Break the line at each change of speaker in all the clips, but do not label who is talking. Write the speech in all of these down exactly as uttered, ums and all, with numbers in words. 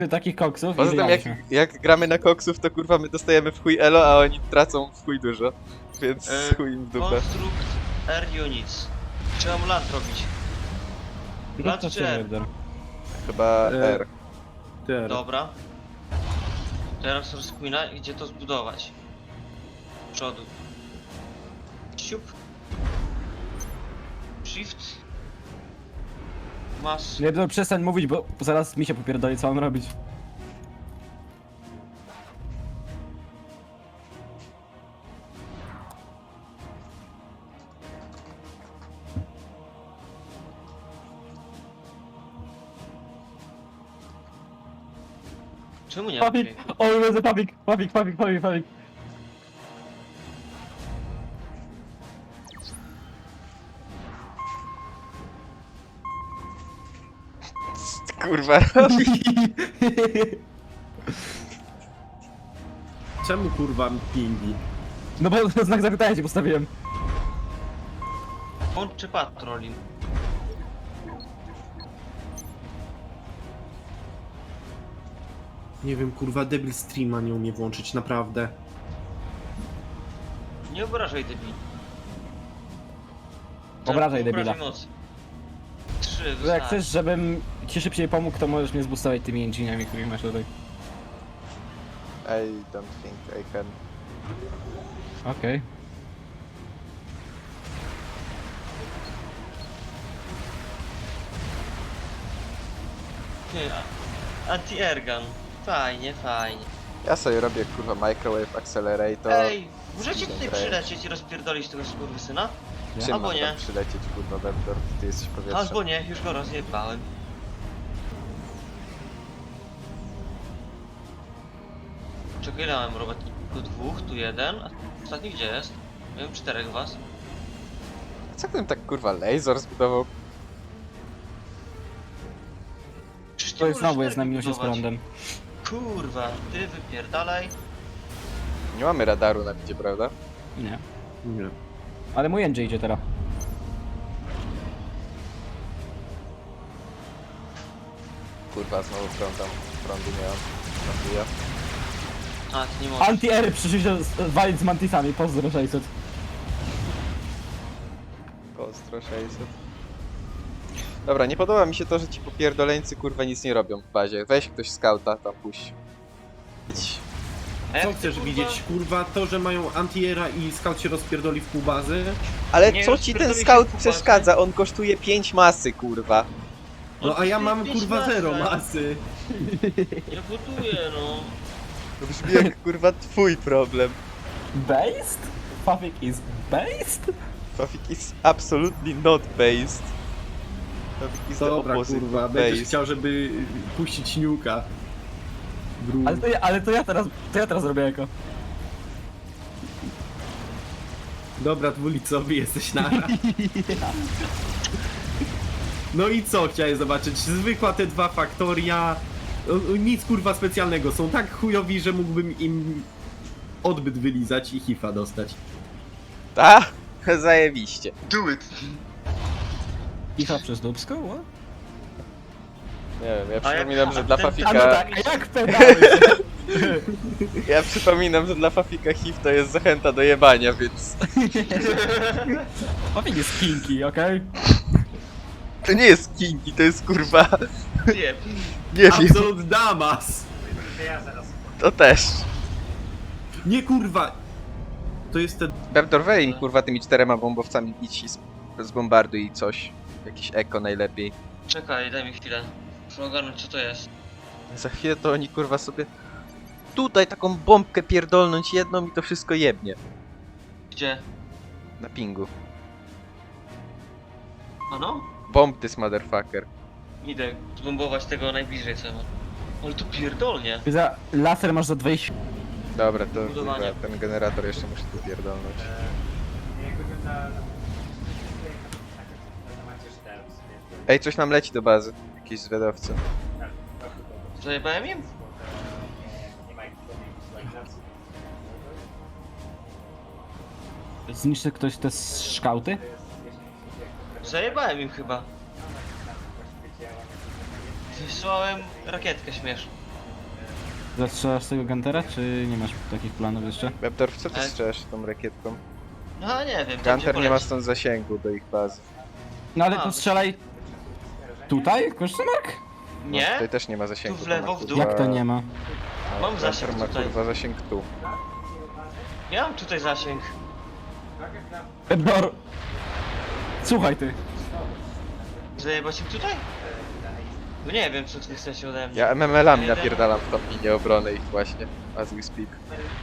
takich koksów
Poza
i
tym jak,
wygraliśmy.
jak gramy na koksów, to kurwa my dostajemy w chuj elo, a oni tracą w chuj dużo. Więc
E,
chuj im w dupę.
Construct Air Units. Trzeba mu land robić.
Tylko
Lat
to
czy
cię
R?
Werder.
Chyba
E,
R.
Ter.
Dobra. Teraz rozkmina, gdzie to zbudować. Z przodu. Siup. Shift. Masz.
Nie, to przestań mówić, bo zaraz mi się popierdoli, co mam robić.
Czemu nie?
Pawik! O, Jezu, Pawik! Pawik, Pawik, Pawik, Pawik!
Kurwa robi.
Czemu kurwa pingi?
No bo znak zapytania ci postawiłem.
On czy patrolin?
Nie wiem, kurwa, debil streama nie umie włączyć, naprawdę.
Nie obrażaj debili.
Obrażaj debila.
Obrażaj moc. Trzy,
Że jak
wystarczy.
chcesz, żebym ci szybciej pomógł, to możesz mnie zboostować tymi engine'ami, których masz tutaj.
I don't think I can.
Okej.
Ty, a- Anti-airgun. Fajnie, fajnie.
Ja sobie robię kurwa microwave accelerator.
Ej, możecie tutaj
Dobra.
przylecieć i rozpierdolić tego skurwysyna?
Czym
albo
mam
nie.
tam przylecieć kurwa Wendor? Ty jesteś powietrzem.
Albo nie, już go rozjebałem. Czekaj, ile mam robotników? Tu dwóch, tu jeden, a ostatni gdzie jest? Miałem czterech was.
A co gdybym tak kurwa laser zbudował?
Przecież ty
To jest
możesz
znowu jest na
energii
minusie z
budować.
prądem.
Kurwa, ty wypierdalaj.
Nie mamy radaru na widzie, prawda?
Nie.
Nie.
Ale mój engine idzie teraz.
Kurwa, znowu prądam. Prądu nie mam. Pracuję.
A, ty nie możesz.
Anti-air przyszły się z- walić z mantisami, pozdro sześćset.
Ostro sześćset. Dobra, nie podoba mi się to, że ci popierdoleńcy kurwa nic nie robią w bazie. Weź ktoś skauta, tam puść. Idź.
A jak
Co
ty,
chcesz
kurwa,
widzieć, kurwa? To, że mają anti-era i scout się rozpierdoli w pół bazy?
Ale
Nie,
co
już
ci ten
pierdolę się
scout
w kupę,
przeszkadza? On kosztuje pięć masy, kurwa.
No a ja mam
pięć
kurwa
masy,
zero
a ja-
masy.
Ja buduję, no.
To brzmi jak kurwa twój problem.
Based? Pawik is based?
Traffic is absolutely not based. Traffic is the
Dobra,
opposite
kurwa,
of
będziesz
based.
chciał, żeby puścić niuka. Bru.
Ale to ja, ale to ja teraz, to ja teraz robię jako.
Dobra, dwulicowy jesteś na. No i co chciałem zobaczyć? Zwykła te dwa faktoria. O, o, Nic kurwa specjalnego. Są tak chujowi, że mógłbym im odbyt wylizać i hifa dostać.
Ta? Zajebiście.
Do it.
Icha przez dubsko? What?
Nie wiem, ja
A jak-
przypominam, że
a
dla
ten-
A no
Fafika...
tak, a jak pedały?
Ja przypominam, że dla Fafika H I V to jest zachęta do jebania, więc...
Pawik jest kinky, okej?
To nie jest kinki, to jest kurwa...
Nie.
Nie wiem,
Absolut damas!
to też.
Nie kurwa! To jest ten.
Bebdor, wej im kurwa tymi czterema bombowcami idź i z- zbombarduj i coś. Jakiś eko najlepiej.
Czekaj, daj mi chwilę. Muszę ogarnąć, co to jest.
Za chwilę to oni kurwa sobie... Tutaj taką bombkę pierdolnąć jedną i to wszystko jebnie.
Gdzie?
Na pingu.
Ano?
Bomb this motherfucker.
Idę zbombować tego najbliżej, co ja mam. Ale to pierdolnie.
Za laser masz za dwadzieścia.
Dobra, to
Budowanie.
kurwa, ten generator jeszcze muszę tu pierdolnąć. Ej, coś nam leci do bazy. Jakiś zwiadowcy.
Zajebałem im?
Zniszczy ktoś te skauty?
Zajebałem im chyba. Wysłałem rakietkę śmieszną.
Zastrzelasz tego Guntera, czy nie masz takich planów jeszcze?
Webdorf, co ty
E.
strzelasz tą rakietką?
No nie wiem, tam gdzie
Gunter nie ma
poleci.
stąd zasięgu do ich bazy.
No ale
A.
to strzelaj... Tutaj? Koszmark?
No,
Nie?
tutaj też nie ma zasięgu.
Tu w
to ma,
lewo, w
kurwa,
dół?
Jak to nie ma?
Mam
Gunter
zasięg
ma
tutaj.
kurwa zasięg tu.
Ja mam tutaj zasięg.
Edor! Słuchaj ty.
Zajebać im tutaj? No nie wiem, co ty chcecie ode mnie.
Ja M M L-ami
Jeden.
napierdalam w tą linię obrony ich właśnie. As we speak.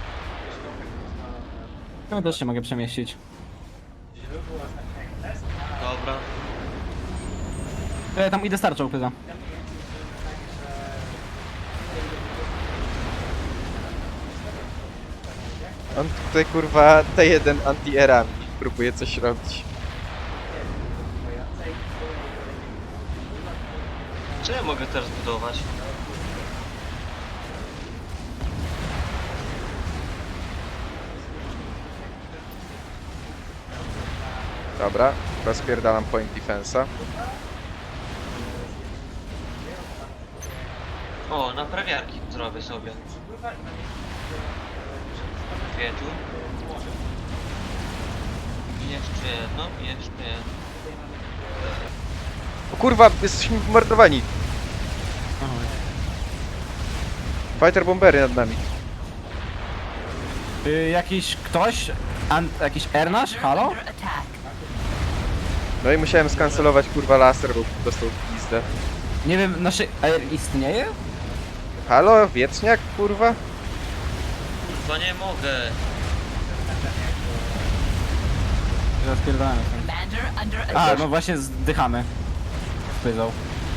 No też się mogę przemieścić.
Dobra.
Ja tam idę starczą, pyta.
On tutaj kurwa T jeden anti-erami próbuje coś robić.
Czy ja mogę teraz budować?
Dobra, rozpierdalam point defensa.
O, naprawiarki zrobię sobie. Dwie tu. I jeszcze jedno, i jeszcze jedno.
O kurwa, jesteśmy bombardowani. Fighter bombery nad nami.
Y, jakiś ktoś? An jakiś Ernasz? Halo?
No i musiałem skancelować kurwa laser, bo dostał pizdę.
Nie wiem, nasze Air istnieje?
Halo, wieczniak kurwa?
Kurwa nie mogę.
Rozpierdolamy.
Commander under
A,
attack.
no właśnie zdychamy. Pyzał.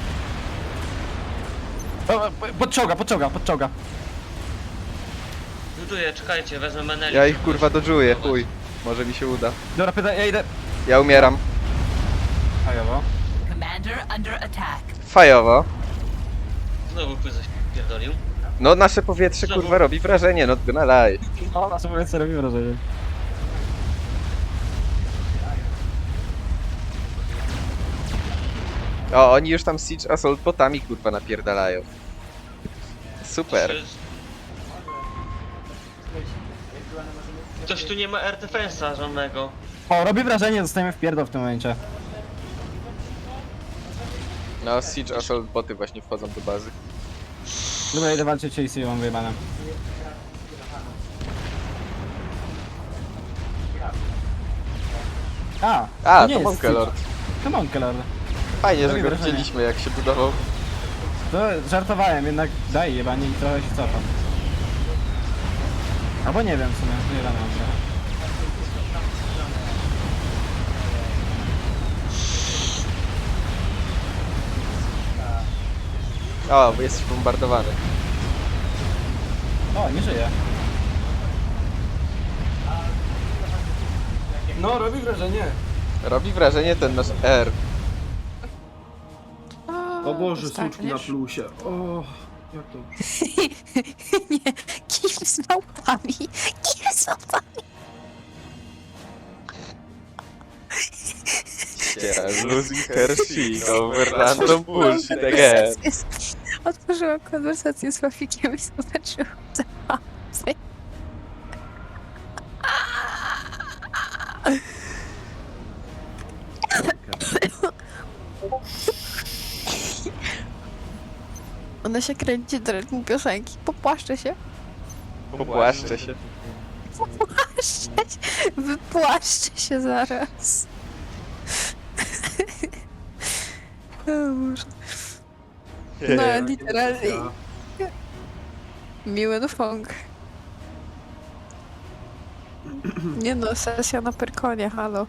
O, o, Podczołga, podczołga, podczołga.
Buduję, czekajcie, wezmę meneli.
Ja ich
żeby
kurwa dodżuję,
budować.
chuj. Może mi się uda.
Dobra, pyta, ja idę.
Ja umieram.
Ajowo.
Commander under attack.
Fajowo.
Znowu pyza się pierdolił.
No nasze powietrze
Znowu.
kurwa robi wrażenie, not gonna lie.
O, na sobie co robi wrażenie.
O, oni już tam Siege Assault botami kurwa napierdalają. Super.
Czy- Ktoś tu nie ma air defensa żadnego.
O, robi wrażenie, zostajemy w pierdol w tym momencie.
No, Siege Assault boty właśnie wchodzą do bazy.
Dobra, idę walczyć i sobie mam wyjebane. A,
A,
nie
to
jest
Monkelord.
Siege. To Monkelord.
Fajnie, że
Robi
go
wrażenie.
widzieliśmy jak się budował.
To żartowałem, jednak daj jebanie i trochę się cofam. Albo nie wiem w sumie, nie wiem.
O, bo jesteś bombardowany.
O, nie żyje. No, robi wrażenie.
Robi wrażenie ten nasz R.
O Boże,
tak,
suczki na
wiesz?
plusie. O, jak to?
Nie, kim z małpami? Kim z małpami?
Yeah, losing her shit over random bullshit again.
Otworzyłam konwersację z Fafikiem i zobaczyłam te małpy. Ona się kręci do rytmu piosenki. Popłaszczę się.
Popłaszczę się.
Popłaszczę się. Wypłaszczę się zaraz. O Boże. No, literalnie. Miły fong. Nie no, sesja na Pyrkonie, halo.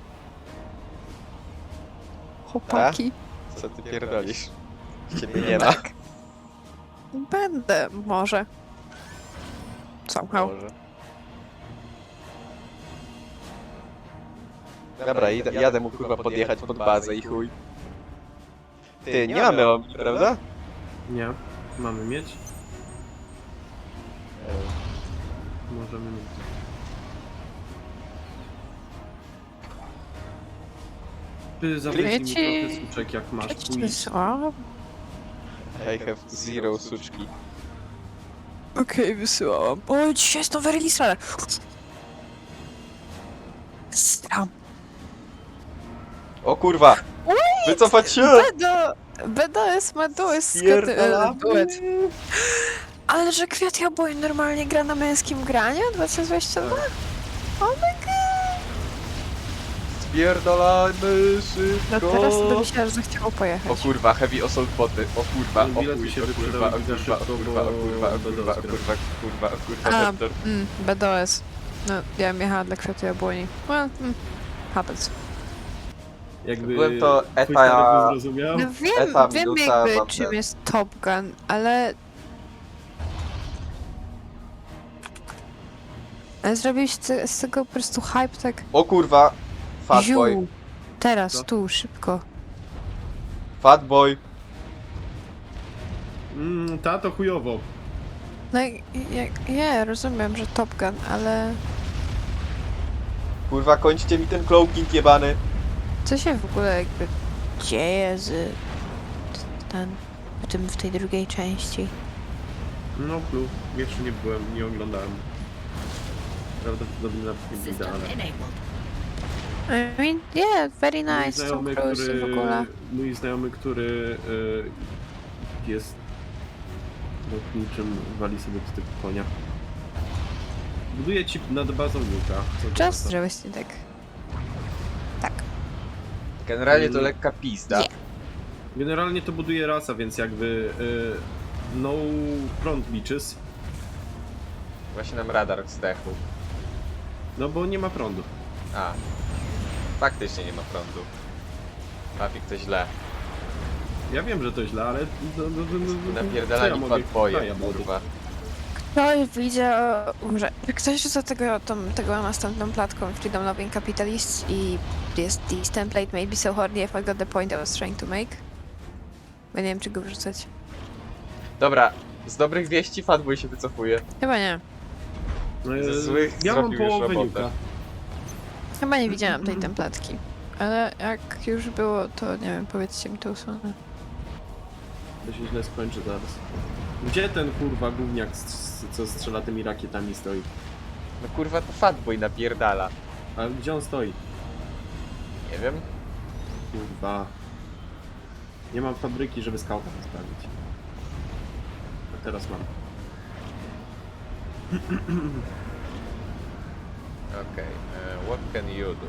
Chłopaki.
Co ty pierdolisz? Ciebie nie ma.
Będę, może. Somehow.
Może. Dobra, idę, jadę mu kurwa podjechać pod bazę i chuj. Ty, nie mamy omni, prawda?
Nie, mamy mieć? Możemy mieć. Ty zawiedz mi
Wiecie-
trochę suczek jak masz. Chuj.
Przecież, o,
I have zero suczki.
Okej, wysyłałam. O, dzisiaj jest nowy release, ale... Stram.
O kurwa! Wycofać się!
Beda! Beda jest ma duet z
Pierdolamy.
duet. Ale że Kwiat Jabłoni normalnie gra na męskim graniu? dwa tysiące dwudziesty dwa? Oh my god!
Spierdolamy
No
szybko!
teraz to mi się aż zachciało pojechać.
O kurwa, heavy assault boty. O kurwa, o
Bilet mi
chuj,
się
o kurwa,
wyprzedał
o
widzę
kurwa, o
szybko,
kurwa, o
bo
kurwa, o kurwa, o
będę
kurwa, o kurwa, o kurwa,
A,
Vector.
mm, B D O S. No, ja bym jechała dla Kwiatu Jabłoni. Well, mm, happens.
Jakby
Byłem to
twój
eta-
stary by zrozumiał.
No wiem,
Eta
wiem
minuta,
jakby
mam
czym
ten.
jest Top Gun, ale... Ale zrobić z, z tego po prostu hype tak...
O kurwa! Fatboy,
Ziu. Teraz,
Co?
tu, szybko.
fatboy.
Mm, ta to chujowo.
No i- jak, ja rozumiem, że Top Gun, ale...
Kurwa, kończcie mi ten cloaking jebany.
Co się w ogóle jakby dzieje z... ten... w tym, w tej drugiej części?
No clue. Jeszcze nie byłem, nie oglądałem. Prawdopodobnie na nie widzę, ale...
I mean, yeah, very
Mój
nice, Tom
znajomy,
Cruise i w
który,
ogóle.
mój znajomy, który y, jest lotniczym, wali sobie do tego konia. Buduje ci nad bazą Nuka. Co ty
Czas,
na to?
żebyś tak... Tak.
Generalnie to
Mm.
lekka pizda.
Nie.
Generalnie to buduje rasa, więc jakby y, no front beaches,
Właśnie nam radar zdechł.
no bo nie ma prądu.
A. Faktycznie nie ma prądu. Trafik to źle.
Ja wiem, że to źle, ale... No, no, no, no, no, co ja
Napierdalani
mogę?
fatboye,
Kraja młody.
kurwa.
Ktoś widzę, że ktoś rzuca tego, tą, tego następną platką Freedom Loving Capitalists i jest this template made me so horny if I got the point I was trying to make. Bo nie wiem, czy go wrzucać.
Dobra, z dobrych wieści fatboy się wycofuje.
Chyba nie.
E,
Ze złych
ja mam
zrobił już
połowę
robotę.
Nuka.
Chyba nie widziałam tej templatki. Ale jak już było, to nie wiem, powiedzcie mi to usłonę.
To się źle skończy zaraz. Gdzie ten kurwa gówniak, s- co strzela tymi rakietami stoi?
No kurwa, to fatboy napierdala.
A gdzie on stoi?
Nie wiem.
Kurwa. Nie mam fabryki, żeby skauta postawić. A teraz mam.
Okej, e, what can you do?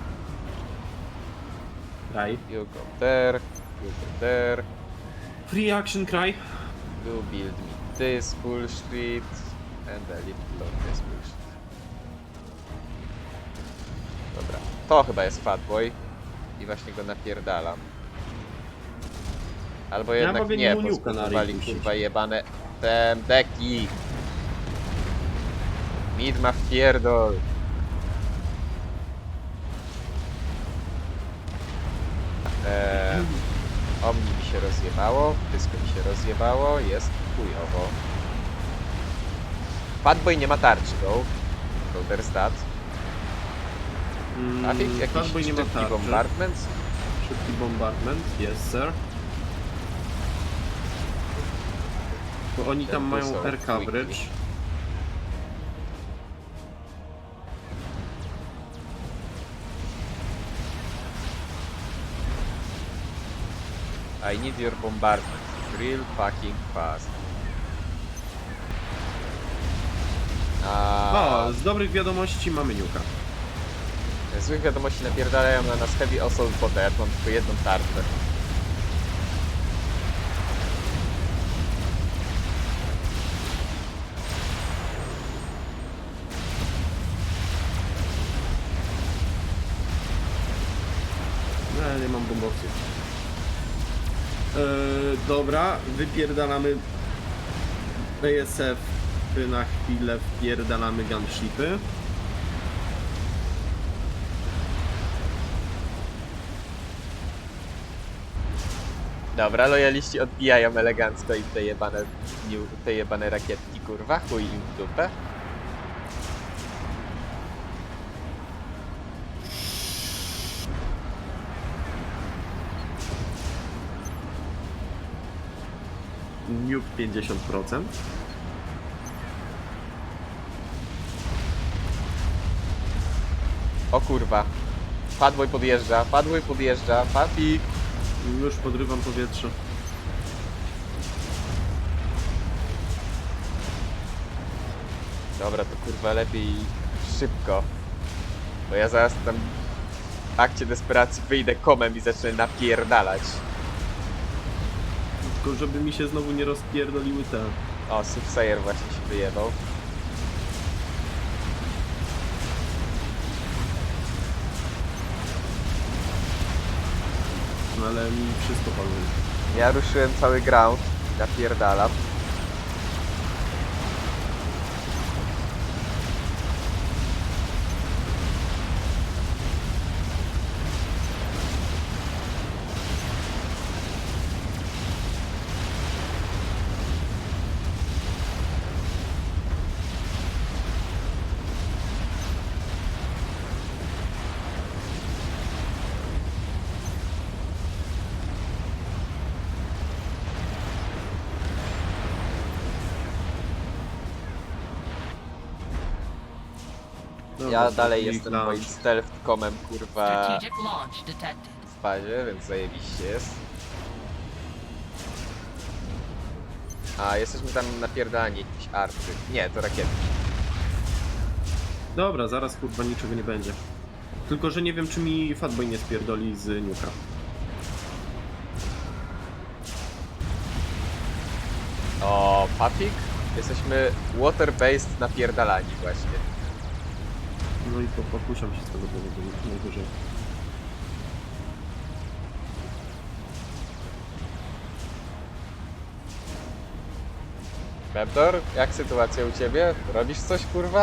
Kraj.
You go there, you go there,
Free action cry.
you build me this bullshit, and a little of this bullshit. Dobra, to chyba jest fatboy i właśnie go napierdalam. Albo jednak
mogę
nie,
nim
bo
uniuka na
zbudowali
ryj puścić.
kurwa jebane tem deki. Mid ma wpierdol. Eee, Omni mi się rozjebało, wszystko mi się rozjebało, jest chujowo. Fatboy nie ma tarczy, go. Go there's that.
Mm,
Trafik? Jakiś
Fatboy nie ma
szybki
tarczy.
bombardment?
Szybki bombardment, yes sir. Bo oni tam
Ten
mają
są
air coverage.
quickly. I need your bombardment. Real fucking fast. A
O, z dobrych wiadomości mamy Nuka.
złych wiadomości napierdalają na nas heavy assault bota, ja tu mam tylko jedną tarczę.
No, ale nie mam bombowców. Eee, dobra, wypierdalamy A S F na chwilę, wpierdalamy gunshipy.
Dobra, lojaliści odbijają elegancko i te jebane, te jebane rakietki, kurwa, chuj im w dupę.
Nuke pięćdziesiąt procent.
O kurwa. Padwoj podjeżdża, padwoj podjeżdża, Papi.
Już podrywam powietrze.
Dobra, to kurwa lepiej szybko. Bo ja zaraz tam w akcie desperacji wyjdę komem i zacznę napierdalać.
Tylko żeby mi się znowu nie rozpierdoliły te.
O, Soothsayer właśnie się wyjebał.
No ale mi wszystko paluje.
Ja ruszyłem cały ground, napierdalam.
Dobra,
Ja
to
dalej
ich
jestem
launch.
moim stealth comem, kurwa,
Strategic launch detected.
w bazie, więc zajebiście jest. A, jesteśmy tam napierdalani, jakieś arty. Nie, to rakiety.
Dobra, zaraz kurwa niczego nie będzie. Tylko, że nie wiem czy mi Fatboy nie spierdoli z niuka.
O, Papik? Jesteśmy water-based napierdalani właśnie.
No i po- popuszczam się z tego powodu najwyżej.
Raptor, jak sytuacja u ciebie? Robisz coś, kurwa?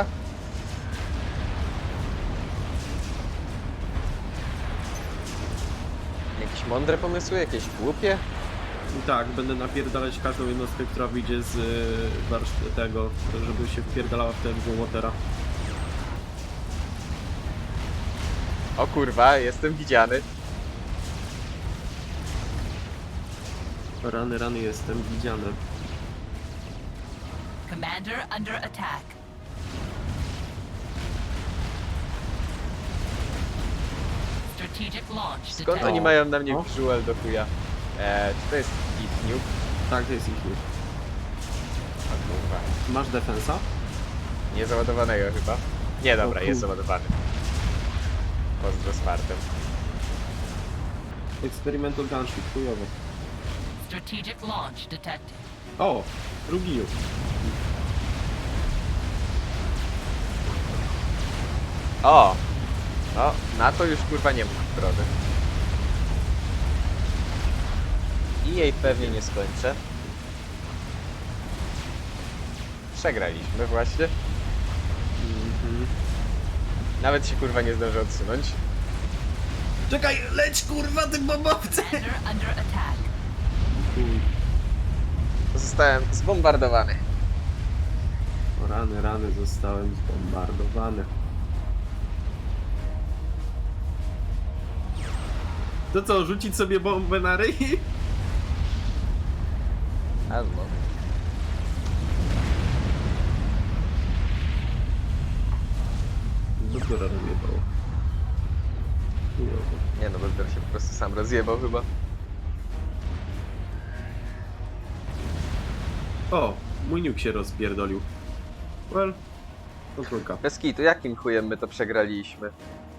Jakieś mądre pomysły? Jakieś głupie?
I tak, będę napierdalać każdą jednostkę, która wyjdzie z y, warsztatu tego, żeby się wpierdalała w ten Watera.
O kurwa, jestem widziany.
Rany, rany, jestem widziany.
Commander under attack. Strategic launch
Skąd
detected.
oni mają na mnie
O.
visual do chuja? Eee, czy to jest ich nuke?
Tak, to jest ich nuke.
O kurwa.
Masz defensa?
Niezaładowanego chyba. Nie, dobra,
O
jest
kur-
załadowany. Pozdro z fartem.
Experimental gunship, chujowo.
Strategic launch detected.
O! Drugi już.
O! No, na to już kurwa nie mógł brody. I jej pewnie nie skończę. Przegraliśmy właśnie.
Mhm.
Nawet się kurwa nie zdążę odsunąć.
Czekaj, leć kurwa tym bombowcem!
Commander under attack.
Chuj.
Zostałem zbombardowany.
O rany, rany, zostałem zbombardowany. To co, rzucić sobie bombę na ryj?
Albo.
Doktora rozjebało. Chujowo.
Nie no, Belder się po prostu sam rozjebał chyba.
O, mój nuke się rozpierdolił. Well, to trójka.
Bez kitu, jakim chujem my to przegraliśmy?